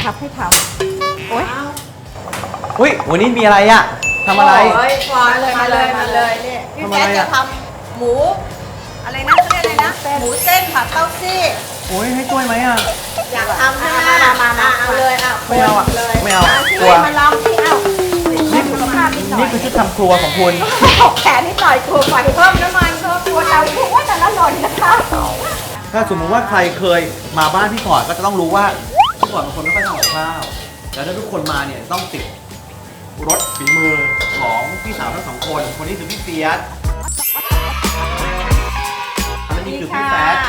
ครับให้ทำโอ๊ยอุ้ยวันนี้มีอะไรอ่ะทำอะไรโอ้ยมาเลยนี่พี่แจ๊จะทำหมูอะไรนะเขาเรียกอะไรนะหมูเส้นผัดเต้าซี่โอ้ยให้ช่วยไหมอ่ะอยากทำใช่ไหมมาเอาเลยอ่ะไม่เอาอ่ะเลยไม่เอากลัวมาลองที่เอานี่คือภาพนิดหน่อยนี่คือชุดทำครัวของคุณตกแขนนิดหน่อยกลัวไฟเพิ่มน้ำมันเพิ่มกลัวเตาโอ้ยแต่ละหล่นนะคะถ้าสมมติว่าใครเคยมาบ้านพี่ฟอร์ดก็จะต้องรู้ว่าพี่ฟอร์ดเป็นคนไม่ค่อยทำกับข้าวแล้วถ้าทุกคนมาเนี่ยต้องติดรสฝีมือของพี่สาวทั้งสองคนคนนี้คือพี่เฟียสและนี่คือพี่แฟด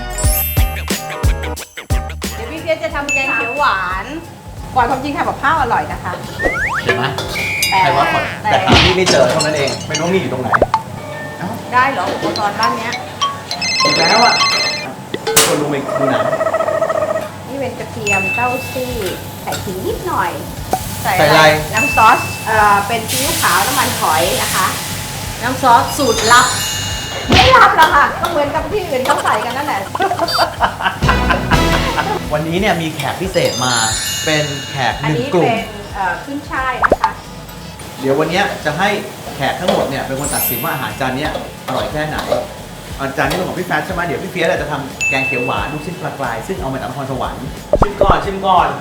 เดี๋ยวพี่เฟียสจะทำแกงเขียวหวานก่อนความจริงทำกับข้าวอร่อยนะคะเห็นไหมใครว่าก่อนแต่หาพี่ไม่เจอเท่านั้นเองไม่รู้มีอยู่ตรงไหนได้เหรออุปกรณ์บ้านเนี้ยอีกแล้วอ่ะคนรู้ไหมดูหนังนี่เป็นกระเทียมเต้าซี่ใส่ขิงนิดหน่อยใส่อะไรน้ำซอสเป็นซีอิ๊วขาวน้ำมันหอยนะคะ น้ำซอสสูตรลับ ไม่ลับหรอกค่ะก็เหมือนกับที่อื่นเขาใส่กันนั่นแหละวันนี้เนี่ยมีแขกพิเศษมาเป็นแขกอัหนนึ่งนี้กลุ่เป็มนขึ้นช่ายนะคะเดี๋ยววันนี้จะให้แขกทั้งหมดเนี่ยเป็นคนตัดสินว่าอาหารจานนี้อร่อยแค่ไหนอาจานนี้เป็นของพี่แฟชใช่ไหมเดี๋ยวพี่เฟียสจะทำแกงเขียวหวานลูกชิ้นปลากรายซึ่งเอามาจากนครสวรรค์ชิมก่อน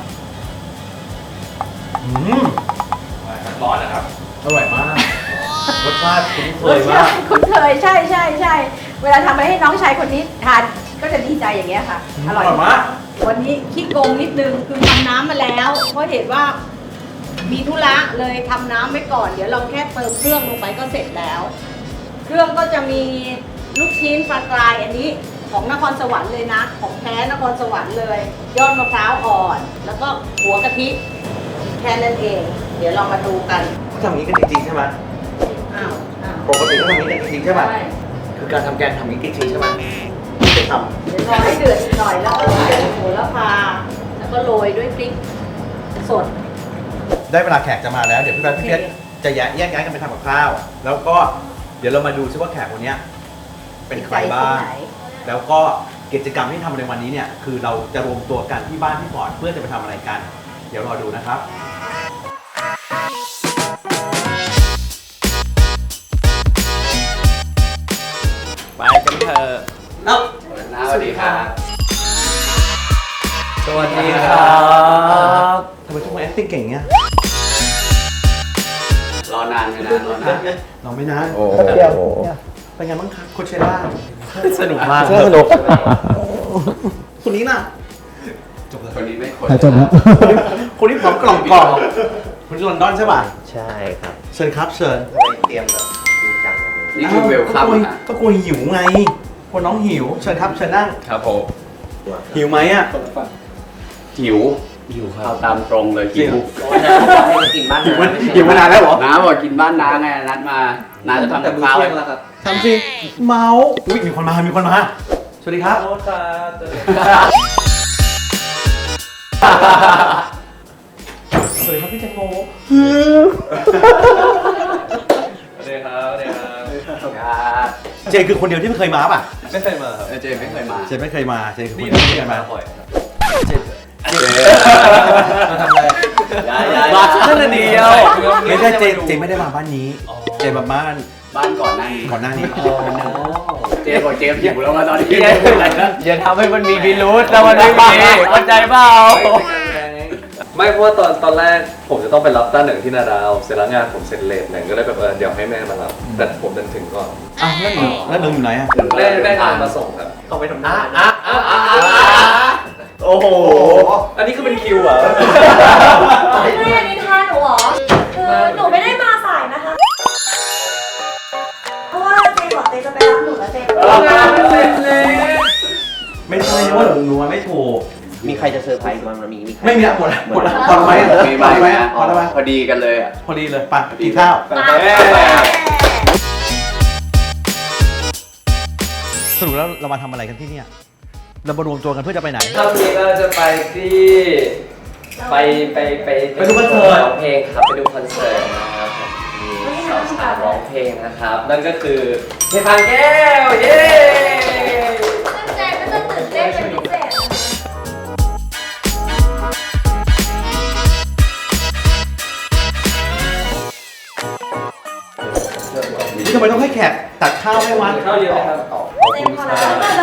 ร้อนนะครับอร่อยมากรสชาติคุ้นเคยมากคุ้นเคยใช่เวลาทำอะไรให้น้องชายคนนี้ทานก็จะดีใจอย่างเงี้ยค่ะอร่อยมากวันนี้ขี้โกงนิดนึงคือทำน้ำมาแล้ว เพราะเห็นว่ามีธุระเลยทำน้ำไว้ก่อนเดี๋ยวเราแค่เติมเครื่องลงไปก็เสร็จแล้ว เครื่องก็จะมีลูกชิ้นปลากรายอันนี้ของนครสวรรค์เลยนะ ของแท้นครสวรรค์เลย ยอดมะพร้าวอ่อน แล้วก็หัวกะทิแค่นั้นเอง เดี๋ยวเรามาดูกันเขาทำอย่างนี้กันจริงๆใช่ไหมอ้าวปกติเขาทำอย่างนี้กันจริงๆใช่ไหมใช่คือการทำแกงทำอย่างนี้จริงๆใช่ไหมไม่ทเดี๋ยวรอให้เดือดหน่อยแล้วก็ใส่โหระพาแล้วก็โรยด้วยพริกสดำได้เวลาแขกจะมาแล้วเดี๋ยวพี่เฟียสจะแยกย้ายกันไปทำกับข้าวแล้วก็เดี๋ยวเรามาดูซิว่าแขกคนนี้เป็นใครบ้าง แล้วก็กิจกรรมที่ทำในวันนี้เนี่ยคือเราจะรวมตัวกันที่บ้านพี่ฟอร์ดเพื่อจะไปทำอะไรกัน เดี๋ยวรอดูนะครับไปกันเถอะเอ้าสวัสดีครับสวัสดีครับทำไมทุกคน acting เก่งเงี้ยรอนานไม่นานรอนานลองไม่นานโอ้เดียวเป็นไงบ้างครับโคเชล่าสนุกมากสนุกคนนี้น่ะจบเลยคนนี้ไม่คนจบแล้วคนนี้ผอมกล่องคนที่ลอนดอนใช่ป่ะใช่ครับเชิญครับเชิญเตรียมแบบจริงจังเลยนี่คือเวลคัมก็กลัวหิวไงกลัวน้องหิวเชิญครับเชิญนั่งครับผมหิวไหมอ่ะหิวเอาตามตรงเลยหิวให้กินบ้านหิวมานานแล้วเหรอน้าบอกกินบ้านน้าไงนัดมาน้าจะทำกับข้าวให้ทำสิเมาอุ้ยมีคนมาสวัสดีครับสวัสดีครับพี่แตงโมสวัสดีครับสวัสดีครับเจนคือคนเดียวที่ไม่เคยมาป่ะไม่เคยมาครับเจไม่เคยมาเจนไม่เคยมาเจนคือคนเดียวที่ไม่เคยมาเจมาทำอะไรมาแค่เดียวไม่ใช่เจนไม่ได้มาบ้านนี้ เจนมาบ้านบ้านก่อนหน้านี้ก่อนหน้านี้เจบอกเจหิวแล้วมาตอนนี้อย่าทำให้มันมีพิรุษแล้วมันไม่มีเข้าใจเปล่าไม่เพราะว่าตอนแรกผมจะต้องไปรับต้าหนึ่งที่นาดาวเสร็จแล้วงานผมเสร็จเลทหนึ่งก็เลยแบบเดี๋ยวให้แม่มารับแต่ผมเดินถึงก่อนอ้าวแล้วหนึ่งอยู่ไหนอ่ะแม่งานมาส่งครับต้องไปทำงานโอ้โหอันนี้คือเป็นคิวเหรอไม่อันนี้ทานหนูเหรอ คือหนูไม่ได้มาสายนะคะ เพราะว่าเจบอกเจจะไปรับหนูแล้วเจงานเสร็จแล้วไม่ใช่ว่าหนูนัวไม่ถูกมีใครจะเซอร์ไพรส์บ้างมีใครไม่มีละหมดละพอไหมมีพอไหมพอดีกันเลยอ่ะพอดีเลยไปกินข้าวสรุปแล้วเรามาทำอะไรกันที่เนี่ยเรามารวมตัวกันเพื่อจะไปไหนครั้งนี้เราจะไปที่ไปดูคอนเสิร์ตร้องเพลงครับไปดูคอนเสิร์ตนะครับมีสาวๆร้องเพลงนะครับ นั่นก็คือเพลงพังแก้วเย้เจก็จะตื่นเต้นเป็นพิเศษนี่ทำไมต้องให้แขกตักข้าวให้วะข้าวเยอะไหมครับเต็มพอแล้ว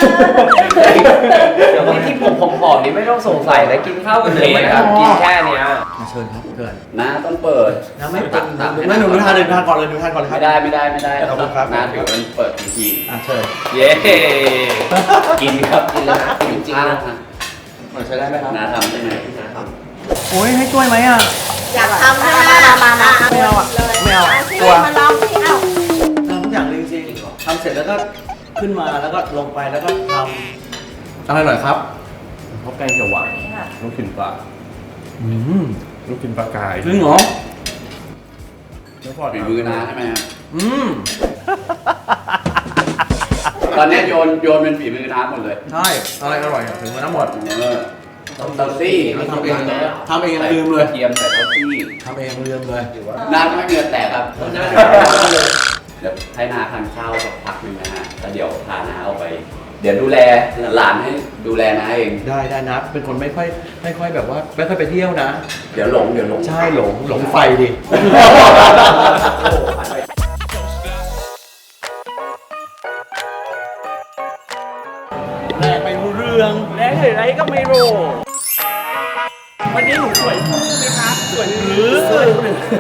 เดี๋ยวที่ผมผอมๆนี่ไม่ต้องสงสัยนะกินข้าวกันเลยนะครับกินแค่เนี้ยมาเชิญครับเชิญน้าต้องเปิดน้ำไม่ตักตักให้ไม่หนูทานเลยทานก่อนเลยหนูทานก่อนเลยครับไม่ได้ขอบคุณครับน้าถือเป็นเปิดทีทีเชิญเย้กินครับกินแล้วจริงๆนะใช้ได้ไหมครับน้าทำได้ไหมโอ้ยให้ช่วยไหมอ่ะอยากทำนะมาไม่เอาอ่ะไม่เอาสิกลัวมาลองสิเอ้าทำทุกอย่างเลยจริงๆทำเสร็จแล้วก็ขึ้นมาแล้วก็ลงไปแล้วก็ทำอะไรหน่อยครับข้าวแกงเขียวหวานลูกชิ้นปลาลูกชิ้นปลากายจริงเหรอเดี๋ยวพอฝีมือน้าใช่ไหมครับอืมตอนนี้โยนเป็นฝีมือน้าหมดเลยใช่อะไรอร่อยอ่ะถึงมาทั้งหมดเตาซี่ทำเองลืมเลยเทียมใส่เตาซี่ทำเองลืมเลยน้าไม่มีเงินแตกครับเดี๋ยวให้น้าทานข้าวสักพักหนึงนะฮะแล้วเดี๋ยวพาน้าเอาไป เดี๋ยวดูแลหลานให้ดูแลน้าเองได้นะเป็นคนไม่ค่อยแบบว่าไม่ค่อยไปเที่ยวนะเดี๋ยวหลงใช่หลงไฟดิแรกไม่รู้เรื่องแรกหรืออะไรก็ไม่รู้วันนี้หนูสวยขึ้นไหมคะสวยหรือสวย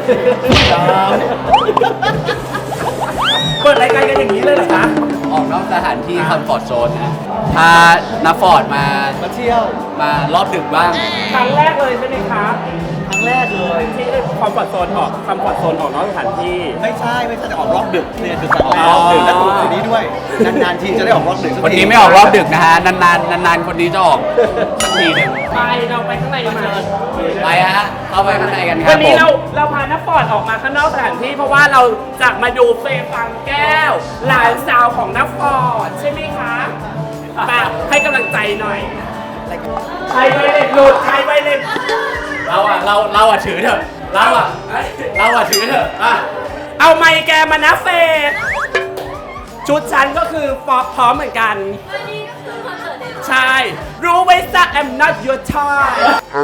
เปิดรายการกันอย่างนี้เลยเหรอคะออกนอกสถานที่คอมฟอร์ทโซนนะพาน้าฟอร์ดมาเที่ยวมารอบดึกบ้างครั้งแรกเลยใช่ไหมคะครั้งแรกเลยที่คอมฟอร์ตโซนออกคอมฟอร์ตโซนออกนอกสถานที่ไม่ใช่จะออกรอบดึกเนี่ยคือจะออกรอบดึกแล้วตัวคนนี้ด้วยนานๆทีจะได้ออกรอบดึกสักทีคนนี้ไม่ออกรอบดึกนะฮะ นานๆคนนี้จะออกสักทีหนึงไปเราไปข้างในมาไปฮะ เข้าไปข้างในกันครัวับนผนี้มเราพาน้าฟอร์ดออกมาข้างนอกสถานที่เพราะว่าเราจะมาดูเฟย์ฟังแก้ว หลานสาวของน้าฟอร์ดใช่ไหมคะมาให้กำลังใจหน่อยใครไปเล็ดหลุดใครไปเล็ดเราอ่ะถือเถอะเราอ่ะถือเถอะอ่ะเอาไมค์แกมานะเฟย์ชุดฉันก็คือพร้อมเหมือนกันวันนี้ก็คือคอนเสิร์ตเดย์ใช่ รู้ไว้ซะ I'm not your toy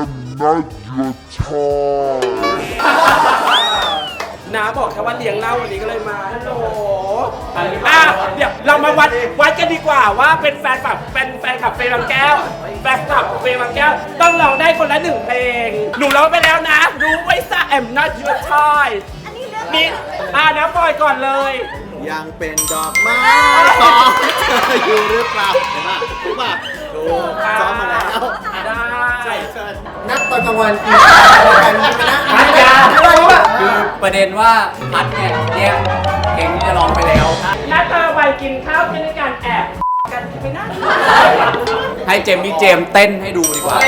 น้าบอกแค่ว่าเลี้ยงเหล้าวันนี้ก็เลยมาฮัลโหลเดี๋ยวเรามาวัดกันดีกว่าว่าเป็นแฟนคลับเฟย์บางแก้ว แฟนคลับเฟย์บางแก้ว ต้องร้องได้คนละ1เพลง หนูร้องไปแล้วนะ รู้ไว้ซะ I'm not your toy นี่นะปล่อยก่อนเลยยังเป็นดอกไม้อยู่หรือเปล่าเห็นป่ะถูกป่ะถูกซ้อมมาแล้วได้นับตอนกลางวันพัดยาคือประเด็นว่าพัดเนี่ยแยกเพลงที่จะร้องไปแล้วนัดเธอไปกินข้าวที่ด้วยกันแอบกันไปนั่งให้เจมส์เต้นให้ดูดีกว่า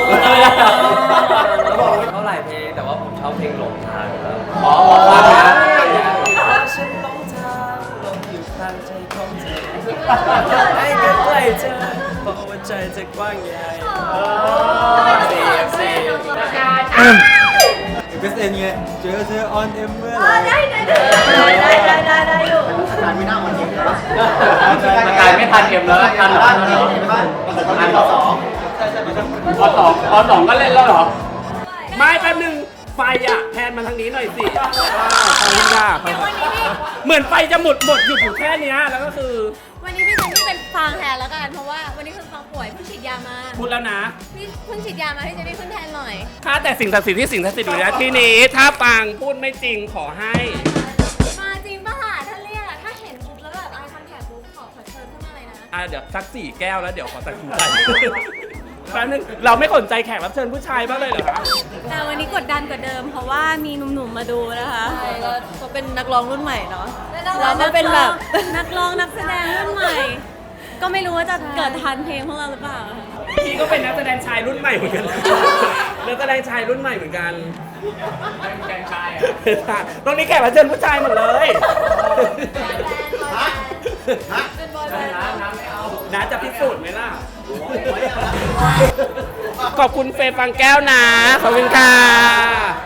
เท่าไหร่เพลงแต่ว่าผมชอบเพลงหลงทางครับขอฟังนะฉันหลงทางหลงอยู่ข้างใจของเธอให้ใกล้เธอเพราะว่าใจจะกว้างใหญ่เสียเบสเอ็นไงเจอเธอออนเอ็มเมื่อได้อยู่การไม่น่ามันยิงแล้วสกายไม่ทันเอ็มแล้วทันเหรอทันเหรอพอสองก็เล่นแล้วเหรอไม่แป๊บนึงไฟอ่ะแทนมาทางนี้หน่อยสิขอบคุณค่ะเหมือนไฟจะหมดอยู่แค่เนี้ยแล้วก็คือวันนี้พี่เจนนี่เป็นฟางแทนแล้วกันเพราะว่าวันนี้คือฟางป่วยเพิ่งฉีดยามาพูดแล้วนะพี่เพิ่งฉีดยามาพี่เจนนี่ขึ้นแทนหน่อยถ้าแต่สิ่งศักดิ์สิทธิ์ที่สิ่งศักดิ์สิทธิ์อยู่ในที่นี้ ถ้าปังพูดไม่จริงขอให้มาจริงป่ะล่ะถ้าเรียกถ้าเห็นปุ๊บแล้วแบบไอคอนแทคปุ๊บขอเชิญขึ้นมาเลยนะเดี๋ยวสัก4 แก้วแล้วเดี๋ยวขอตัดสินใจแป๊บนึงเราไม่สนใจแขกรับเชิญผู้ชายบ้างเลยเหรอคะแต่วันนี้กดดันกว่าเดิมเพราะว่ามีหนุ่มๆมาดูนะคะใช่ก็เป็นนักร้องรุ่นใหม่เนาะเราก็เป็นแบบนักร้องนักแสดงรุ่นใหม่ ก็ไม่รู้ว่าจะเกิดทันเพลงพวกเราหรือเปล่าพี่ก็เป็นนักแสดงชายรุ่นใหม่เหมือนกันนักแสดงชายรุ่นใหม่เหมือนกันแกงชายตรงนี้แขกรับเชิญผู้ชายหมดเลยน้าจะพิสูจน์ไหมล่ะ ขอบคุณเฟย์ฟังแก้วนะ ขอบคุณค่ะ